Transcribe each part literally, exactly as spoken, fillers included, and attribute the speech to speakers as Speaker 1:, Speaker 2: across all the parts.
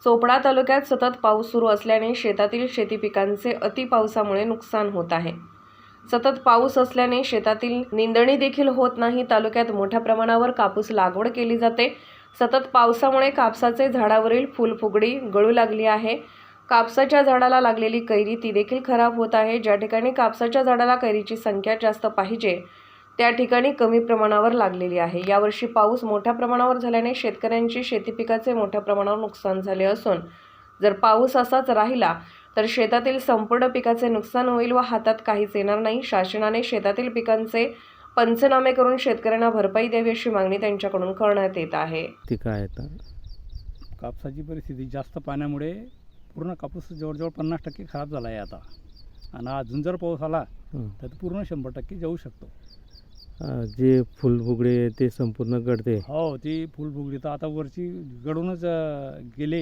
Speaker 1: चोपडा तालुक्यात सतत पाऊस सुरू असल्याने शेतातील शेती पिकांचे अतिपावसामुळे नुकसान होत आहे। सतत पाऊस असल्याने शेतातील निंदणी देखील होत नाही। तालुक्यात मोठ्या प्रमाणावर कापूस लागवड केली जाते। सतत पावसामुळे कापसाचे झाडावरील फुलफुगडी गळू लागली आहे। कापसाच्या झाडाला लागलेली कैरी ती देखील खराब होत आहे। ज्या ठिकाणी कापसाच्या झाडाला कैरीची संख्या जास्त पाहिजे त्या ठिकाणी कमी प्रमाणावर लागलेली आहे। यावर्षी पाऊस मोठ्या प्रमाणावर झाल्याने शेतकऱ्यांची शेती पिकाचे मोठ्या प्रमाणावर नुकसान झाले असून जर पाऊस असाच राहिला तर शेतातील संपूर्ण पिकाचे नुकसान होईल व हातात काहीच येणार नाही। शासनाने शेतातील पिकांचे पंचनामे करून शेतकऱ्यांना भरपाई द्यावी अशी मागणी त्यांच्याकडून करण्यात येत आहे।
Speaker 2: ती काय आता
Speaker 3: कापसाची परिस्थिती जास्त पाण्यामुळे पूर्ण कापूस जवळजवळ पन्नास टक्के खराब झाला आहे आता, आणि अजून जर पाऊस आला तर पूर्ण शंभर टक्के जाऊ शकतो।
Speaker 2: जे फुलफुगडे ते संपूर्ण गळते।
Speaker 3: हो, ती फुलफुगडी तर आता वरची गळूनच गेले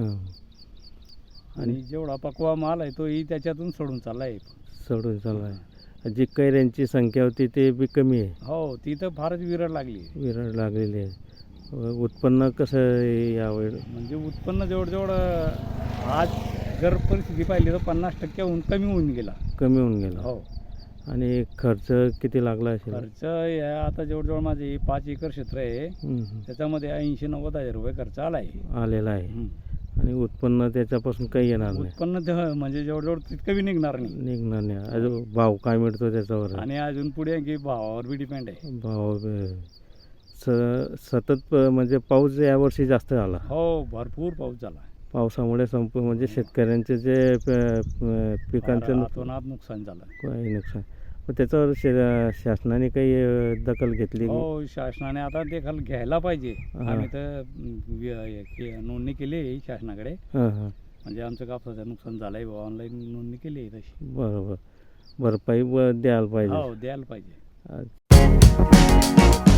Speaker 3: आणि जेवढा पकवा माल आहे तोही त्याच्यातून सोडून चालला आहे
Speaker 2: सोडून चालला आहे। जी कैऱ्यांची संख्या होती ते बी कमी आहे।
Speaker 3: हो, ती तर फारच विरळ लागली
Speaker 2: विरळ लागलेली आहे। उत्पन्न कसं आहे यावेळी?
Speaker 3: म्हणजे उत्पन्न जवळजवळ आज जर परिस्थिती पाहिली तर पन्नास टक्क्याहून कमी होऊन गेला
Speaker 2: कमी होऊन गेला।
Speaker 3: हो,
Speaker 2: आणि खर्च किती लागला असेल?
Speaker 3: खर्च या आता जवळजवळ माझे पाच एकर क्षेत्र आहे, त्याच्यामध्ये ऐंशी नव्वद हजार रुपये खर्च आला आहे
Speaker 2: आलेला आहे। आणि उत्पन्न त्याच्यापासून काही येणार नाही?
Speaker 3: उत्पन्न ते म्हणजे जवळजवळ तितकं बी निघणार नाही
Speaker 2: निघणार नाही। अजून भाव काय मिळतो त्याच्यावर?
Speaker 3: आणि अजून पुढे की भावावर बी डिपेंड आहे।
Speaker 2: भाव स सतत म्हणजे पाऊस यावर्षी जास्त झाला।
Speaker 3: हो, भरपूर पाऊस झाला।
Speaker 2: पावसामुळे संपूर्ण म्हणजे शेतकऱ्यांचे जे पिकांचं
Speaker 3: अतोनात नुकसान झालं।
Speaker 2: काही नुकसान, पण त्याच्यावर शा शासनाने काही दखल घेतली?
Speaker 3: हो, शासनाने आता दखल घ्यायला पाहिजे। आम्ही तर नोंदणी केली आहे शासनाकडे,
Speaker 2: हां हां
Speaker 3: म्हणजे आमचं कापसाचं नुकसान झालं आहे, ऑनलाईन नोंदणी केली आहे तशी।
Speaker 2: बरोबर, भरपाई द्यायला पाहिजे।
Speaker 3: हो, द्यायला पाहिजे।